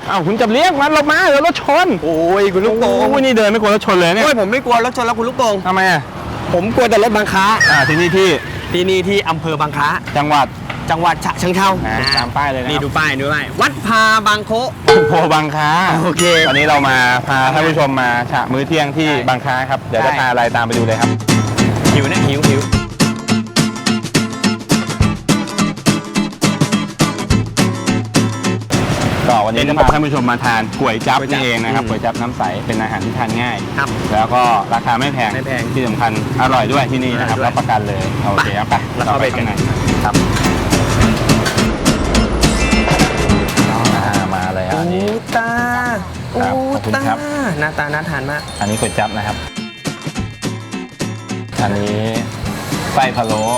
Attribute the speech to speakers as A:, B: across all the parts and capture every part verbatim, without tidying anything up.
A: อ้าวคุณจับเลี้ยงมันลงมาเดี๋ยวรถชน
B: โอ้ยคุณลูกโป่ง
A: โอ้ยนี่เดินไม่กลัวรถชนเลยเนี่ย
B: โอ้ยผมไม่กลัวรถชนแล้วคุณลูกโป่ง
A: ทำไมอ่ะ
B: ผมกลัวแต่รถบางค้า
A: อ่าที่นี่ที่
B: ที่นี่ที่อำเภอบางค้า
A: จังหวัด
B: จังหวัดฉะเชิงเทรา
A: ตามป้ายเลยนะ
B: นี่ดูป้ายดูป้ายวัดพาบางโค
A: โพบางค้า
B: โอเค
A: ตอนนี้เรามาพาท่านผู้ชมมาฉะมื้อเที่ยงที่บางค้าครับเดี๋ยวจะพาอะไรตามไปดูเลยครับ
B: หิวนะหิวหิว
A: ก็วันนี้จะพาท่านผู้ชมมาทานก๋วยจั๊บนี่เองนะครับก๋วยจั๊บน้ำใสเป็นอาหารที่ทานง่าย
B: ครับ
A: แล้วก็ราคาไม่แพง
B: ไม่แพง
A: ที่สำคัญอร่อยด้วยที่นี่นะครับรับประกันเลยโอเคครับไป
B: แล้วเข้าไปกันไหน
A: ครับมาเลยอันนี้
B: ตาอูตาหน้าตาน่าทานมาก
A: อันนี้ก๋วยจั๊บนะครับอันนี้ไส้พะโล้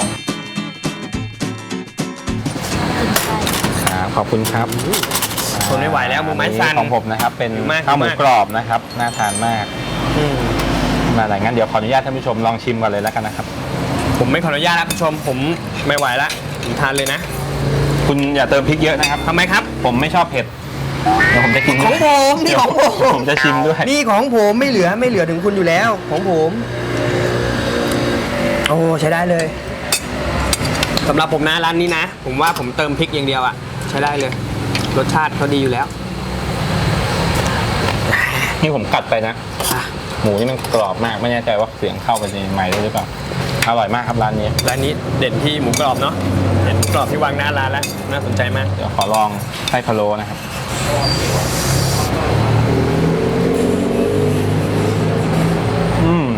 A: ขอบคุณครับ
B: ทนไม่ไหวแล้วมือไม้สั่น
A: ของผมนะครับเป็นข้าวหมูกรอบนะครับน่าทานมากมาหลายงั้นเดี๋ยวขออนุญาตท่านผู้ชมลองชิมก่อนเลยแล้วกันนะครับ
B: ผมไม่ขออนุญาตแล้วผู้ชมผมไม่ไหวแล้วผมทานเลยนะ
A: คุณอย่าเติมพริกเยอะนะครับ
B: ทำไมครับ
A: ผมไม่ชอบเผ็ดเดี๋ยวผมจะกิน
B: ของผมนี่ของผม
A: ผมจะชิมด้วย
B: นี่ของผมไม่เหลือไม่เหลือถึงคุณอยู่แล้วของผมโอ้ใช้ได้เลยสำหรับผมนะร้านนี้นะผมว่าผมเติมพริกอย่างเดียวอ่ะใช้ได้เลยรสชาติเขาดีอยู่แล้ว
A: นี่ผมกัดไปนะหมูนี่มันกรอบมากไม่แน่ใจว่าเสียงเข้าไปในไมค์ได้หรือเปล่าอร่อยมากครับร้านนี้
B: ร้านนี้เด่นที่หมูกรอบเนาะเด่นหมูกรอบที่วางหน้าร้านแล้วน่าสนใจมาก
A: เดี๋ยวขอลองไส้พะโล้นะครับอืม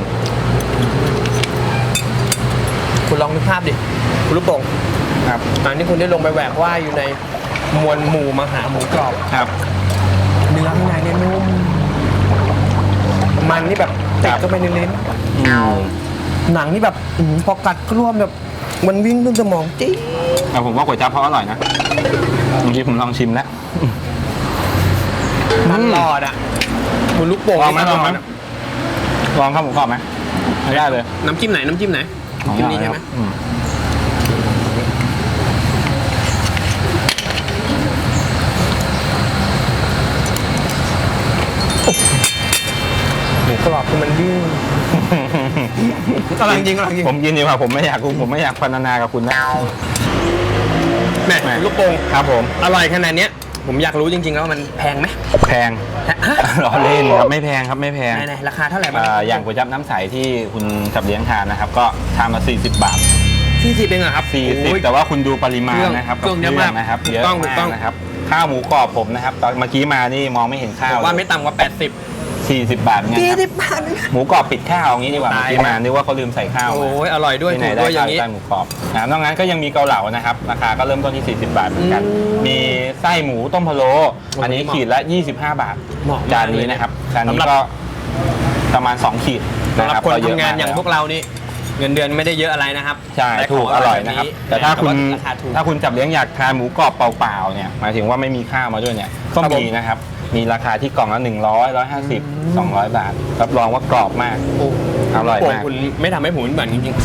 B: คุณลองนึกภาพดิคุณลูกโป่ง
A: ครับ
B: อันนี้คุณได้ลงไปแหวกว่ายอยู่ในมวลหมู่มหาหมูกรอบ
A: ครับ
B: เนื้อข้างในเนี่ยนุ่มมันนี่แบบติดเข้าไปในลิ้นหนังนี่แบบพอกัดกล้วมแบบมันวิ่งขึ้นสมองจี๊ด
A: แต่ผมว่าก๋วยจั๊บเขาอร่อยนะเมื่อกี้ผมลองชิมแล้ว
B: มันหลอดอ่ะคุณลูกโป่ง
A: ลองไหมลองไหมลองข้าวหมูกรอบไหมไม่ได้เลย
B: น้ำจิ้มไหนน้ำจิ้มไหนน้ำจิ้มนี้ใช่ไหมหมูกรอบคือมันดื้อกำลังยิงกำลังยิง
A: ผมกินดีกว่าผมไม่อยากผมไม่อยากพรรณนากับคุณนะ
B: แม่ลูกโป่ง
A: ครับผม
B: อร่อยขนาดนี้ผมอยากรู้จริงๆแล้วมันแพงไหม
A: แพงล้อเล่นครับไม่แพงครับไม่แพง
B: ไหนๆราคาเท่าไหร่บ้าง
A: อย่างก๋วยจั๊บน้ำใสที่คุณจับเลี้ยงทานนะครับก็ชามละสี่สิบบาท
B: สี่สิบเองเหรอครับ
A: สี่สิบแต่ว่าคุณดูปริมาณนะครับ
B: เครื่องเยอะมาก
A: นะครับเยอะมากนะครับข้าวหมูกรอบผมนะครับตอนเมื่อกี้มานี่มองไม่เห็นข้าว
B: ว่าไม่ต่ำกว่าแปดสิบ
A: สี่สิบบาทไง
B: สี่สิบบาท
A: หมูกรอบปิดข้าวอย่างนี้ดีกว่าที่มานึกว่าเขาลืมใส่ข้าว
B: โอ้ยอร่อยด้วย
A: ที่ไหนได้ข้าวใส่หมูกรอบนะนอกนั้นก็ยังมีเกาเหลานะครับราคาก็เริ่มต้นที่สี่สิบบาทเหมือนกันมีไส้หมูต้มพะโล้อันนี้ขีดละยี่สิบห้าบาทจานนี้นะครับจานนี้ก็ประมาณสองขีด
B: สำหรับคนทำงานอย่างพวกเรานี่เงินเดือนไม่ได้เยอะอะไรนะครับ
A: ใช่ถูกอร่อยนะครับแต่ถ้าคุณถ้าคุณจับเลี้ยงอยากทานหมูกรอบเปล่าๆเนี่ยหมายถึงว่าไม่มีข้าวมาด้วยเนี่ยก็มีนะครับมีราคาที่กล่องละหนึ่งร้อย ร้อยห้าสิบ สองร้อยบาทรับรองว่ากรอบมากอร่อยมาก
B: คุณไม่ทำให้ผมเหมือนจริงๆ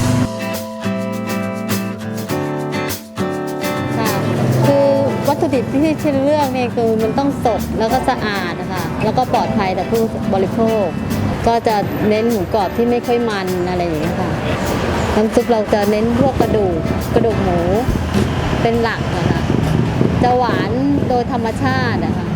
C: ค่ะคือวัตถุดิบที่ที่เลือกเนี่ยคือมันต้องสดแล้วก็สะอาดนะคะแล้วก็ปลอดภัยต่อผู้บริโภคก็จะเน้นหมูกรอบที่ไม่ค่อยมันอะไรอย่างนี้ค่ะน้ำซุปเราจะเน้นพวกกระดูกกระดูกหมูเป็นหลักนะคะจะหวานโดยธรรมชาตินะคะ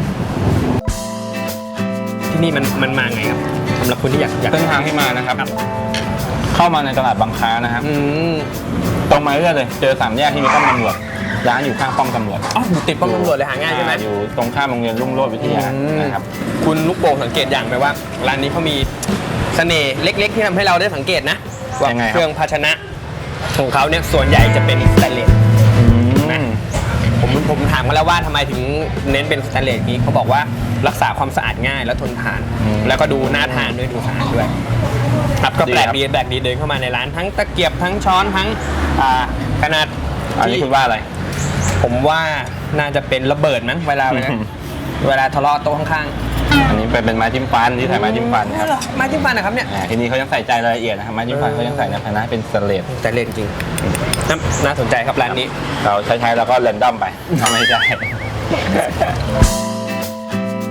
B: ที่นี่มันมันมาไงครับสำหรับคนที่อยากอยาก
A: เส้นทางที่มานะครับเข้ามาในตลาดบางค้านะครับตรงมาเรื่อยเลยเจอสามแยกที่มีป้อมตำรวจร้านอยู่ข้างป้อมตำรวจ
B: อ๋ออยู่ติดป้อมตำรวจเลยหาง่ายใช่ไหม
A: อยู่ตรงข้ามโรงเรียนรุ่งโรจน์วิทยานะครับ
B: คุณลูกโป่งสังเกตอย่างไหมว่าร้านนี้เขามีเสน่ห์เล็กๆที่ทำให้เราได้สังเกตนะว่าเครื่องภาชนะของเขาเนี่ยส่วนใหญ่จะเป็นสแตนเลสผมผมถามกันแล้วว่าทำไมถึงเน้นเป็นสแตนเลสนี้เขาบอกว่ารักษาความสะอาดง่ายแล้วทนทานแล้วก็ดูน่าทานด้วยดูสะอาดด้วยครับก็แปลกดีแปลกดีเดินเข้ามาในร้านทั้งตะเกียบทั้งช้อนทั้งขนาด
A: อันนี้คุณว่าอะไร
B: ผมว่าน่าจะเป็นระเบิดมั้งเวลาเวลาทะเลาะโต๊ะข้าง
A: ๆอันนี้เป็นไม้จิ้มฟันที่ใส่ไม้จิ้มฟันครับ
B: ไม้จิ้มฟันนะครับเนี่ย
A: ทีนี้เขายังใส่ใจรายละเอียดนะครับไม้จิ้มฟันเขายังใส่ในภาชนะเป็นสแตนเลส
B: สแตนเลสจริงน่าสนใจครับร้านนี้
A: เราใช้ๆแล้วก็เรนดอมไปทำไม่ใช่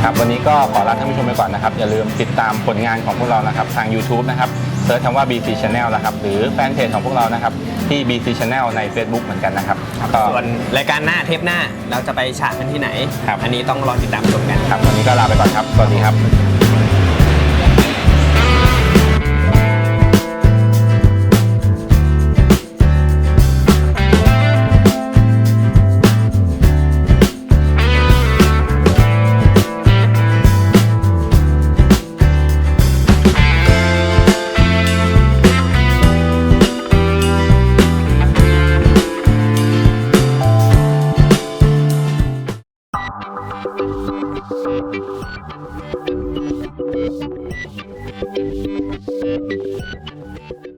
A: ครับวันนี้ก็ขอลาท่านผู้ชมไปก่อนนะครับอย่าลืมติดตามผลงานของพวกเรานะครับทาง YouTube นะครับเสิร์ชคำว่า บี ซี Channel นะครับหรือแฟนเพจของพวกเรานะครับที่ บี ซี Channel ใน Facebook เหมือนกันนะครับก็
B: ส่วนรายการหน้าเทปหน้าเราจะไปฉากกันที่ไหน
A: ครับ
B: อันนี้ต้องรอติดตามชมกัน
A: ครับวันนี้ก็ลาไปก่อนครับสวัสดีครับ